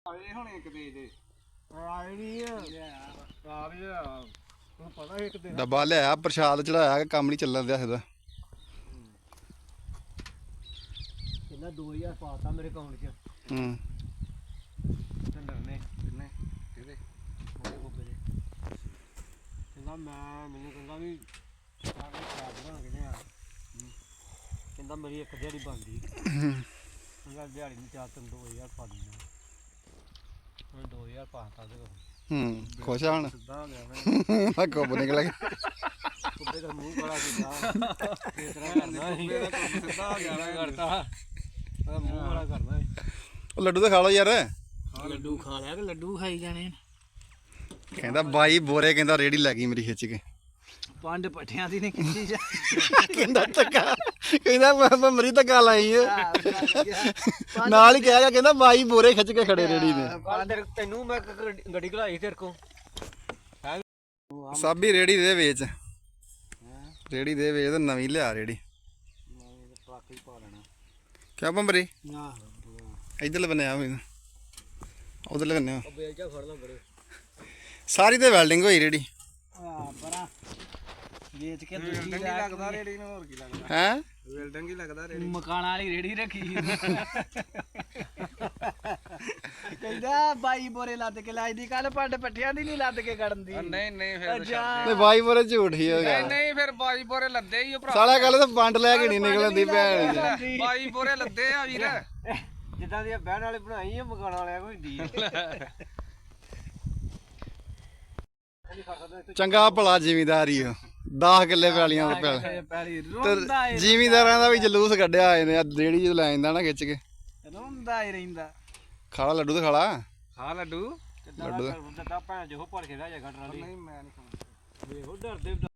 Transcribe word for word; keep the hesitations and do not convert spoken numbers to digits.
ਆਏ ਹੁਣ ਇੱਕ ਦੇ ਦੇ ਆਏ ਨਹੀਂ ਆ ਆ ਵੀ ਤੈਨੂੰ ਪਤਾ ਇੱਕ ਦਿਨ ਡੱਬਾ ਲਿਆਇਆ ਪ੍ਰਸ਼ਾਦ ਚੜਾਇਆ ਕਿ ਕੰਮ ਨਹੀਂ ਚੱਲਣ ਦਿਆ ਇਹਦਾ। ਇਹਨਾਂ ਦੋ ਹਜ਼ਾਰ ਪਾਤਾ ਮੇਰੇ ਅਕਾਊਂਟ 'ਚ ਹੂੰ ਢੰਡਰ ਨੇ ਕਿੰਨੇ ਕਿਹਦੇ ਉਹਦੇ ਗੋਬੇ ਦੇ ਕਹਿੰਦਾ ਮੈਂ ਮੈਨੂੰ ਕਹਿੰਦਾ ਵੀ ਸਾਰੇ ਖਰਾਬ ਬਣਾ ਕੇ ਲਿਆ ਕਹਿੰਦਾ ਮੇਰੀ ਇੱਕ ਦਿਹਾੜੀ ਬਣਦੀ ਕਹਿੰਦਾ ਦਿਹਾੜੀ ਨੂੰ ਚਾਰ ਤਿੰਨ ਦੋ ਹਜ਼ਾਰ ਪਾ ਦਿੰਦਾ ਹੁਣ ਦੋ ਹਜ਼ਾਰ ਪਾਤਾ ਉਹਦੇ ਕੋਲ ਹੂੰ ਖੁਸ਼ ਆ ਹੁਣ ਸਿੱਧਾ ਹੋ ਗਿਆ ਮੈਂ ਕੁੱਬ ਨਿਕਲ ਗਿਆ। ਕੁੱਬੇ ਦਾ ਮੂੰਹ ਕਾਲਾ ਕੀਤਾ ਇਸ ਤਰ੍ਹਾਂ ਕਰਨਾ ਸੀ ਸਿੱਧਾ ਹੋ ਗਿਆ ਨਾ ਕਰਤਾ ਉਹਦਾ ਮੂੰਹ ਕਾਲਾ ਕਰਨਾ ਸੀ ਉਹ ਲੱਡੂ ਤਾਂ ਖਾ ਲਓ ਯਾਰ। ਲੱਡੂ ਖਾ ਲਿਆ ਕਿ ਲੱਡੂ ਖਾਈ ਜਾਣੇ ਕਹਿੰਦਾ ਬਾਈ ਬੋਰੇ ਕਹਿੰਦਾ ਰੇੜੀ ਲੈ ਗਈ ਮੇਰੀ ਖਿੱਚ ਕੇ। ਪੰਡ ਪੱਠਿਆਂ ਦੀ ਨੇ ਖਿੱਚੀ ਜਾ ਕਹਿੰਦਾ ਧੱਕਾ ਕਹਿੰਦਾ ਮੈਂ ਮਰੀ ਧੱਕਾ ਲਾਈ ਏ ਨਾਲ ਹੀ ਕਹਿ ਗਿਆ ਕਹਿੰਦਾ ਬਾਈ ਬੋਰੇ ਖਿੱਚ ਕੇ ਖੜੇ ਰੇੜੀ ਨੇ। ਪੰਡ ਤੈਨੂੰ ਮੈਂ ਗੱਡੀ ਘਲਾਈ ਤੇਰੇ ਕੋ ਸਾਬੀ ਰੇੜੀ ਦੇ ਵੇਚ ਰੇੜੀ ਦੇ ਵੇਚ ਤੇ ਨਵੀਂ ਲਿਆ ਰੇੜੀ ਟਰੱਕ ਹੀ ਪਾ ਲੈਣਾ ਕਿਆ ਬੰਬਰੀ ਆਹ ਇੱਧਰਲੇ ਬੰਨੇ ਆ ਹੋਈ ਉਧਰਲੇ ਬੰਨੇ ਆ। ਉਹ ਬੇਲਚਾ ਫੜ ਲਾ ਬੜੇ ਸਾਰੀ ਤੇ ਵੈਲਡਿੰਗ ਹੋਈ ਰੇੜੀ ਆ ਪਰਾਂ ਵੇਚ ਕੇ ਦੂਜੀ ਵੈਲਡਿੰਗ ਹੀ ਲੱਗਦਾ ਰੇੜੀ ਨੂੰ ਹੋਰ ਕੀ ਲੱਗਦਾ ਹੈ ਵੈਲਡਿੰਗ ਹੀ ਲੱਗਦਾ ਰੇੜੀ ਮਕਾਨ ਵਾਲੀ ਰੇੜੀ ਰੱਖੀ ਕਹਿੰਦਾ ਬਾਈ ਬੋਰੇ ਲੱਦ ਕੇ ਲਾਈ ਦੀ ਕੱਲ ਪੰਡ ਪੱਠਿਆਂ ਦੀ ਨਹੀਂ ਲੱਦ ਕੇ ਕੱਢਣ ਦੀ ਨਹੀਂ ਨਹੀਂ ਫਿਰ ਅੱਛਾ ਤੇ ਬਾਈ ਬੋਰੇ ਝੂਠ ਹੀ ਹੋ ਗਿਆ। ਨਹੀਂ ਫਿਰ ਬਾਈ ਬੋਰੇ ਲੱਦੇ ਹੀ ਭਰਾ ਸਾਲਾ ਗੱਲ ਤਾਂ ਪੰਡ ਲੈ ਕੇ ਨਹੀਂ ਨਿਕਲਦੀ ਭੈਣ ਦੀ। ਬਾਈ ਬੋਰੇ ਲੱਦੇ ਆ ਵੀਰ ਜਿੱਦਾਂ ਦੀ ਬਹਿਣ ਵਾਲੇ ਬਣਾਈ ਆ ਮਕਾਨ ਵਾਲਿਆਂ ਕੋਈ ਦੀ ਚੰਗਾ ਭਲਾ ਜ਼ਿਮੀਦਾਰੀ ਹੋ ਦਸ ਕਿੱਲੇ ਪੈਲੀਆਂ ਦੇ ਪੈਲ ਪੈਲੀ ਰੋਂਦਾ ਤੇ ਜ਼ਿਮੀਦਾਰਾਂ ਦਾ ਵੀ ਜਲੂਸ ਕੱਢਿਆ ਆਏ ਨੇ ਰੇੜੀ ਜਦੋਂ ਲੈ ਜਾਂਦਾ ਨਾ ਖਿੱਚ ਕੇ। ਰੋਂਦਾ ਹੀ ਰਹਿੰਦਾ ਖਾਲਾ ਲੱਡੂ ਤੇ ਖਾਲਾ ਹਾਂ ਲੱਡੂ ਲੱਡੂ ਦਾ ਭੈਣ ਜੋ ਭੜ ਕੇ ਲੈ ਜਾ ਗੱਡਰਾਂ ਦੀ ਨਹੀਂ ਮੈਂ ਨਹੀਂ ਖਾਂਦਾ ਵੇਖੋ ਡਰਦੇ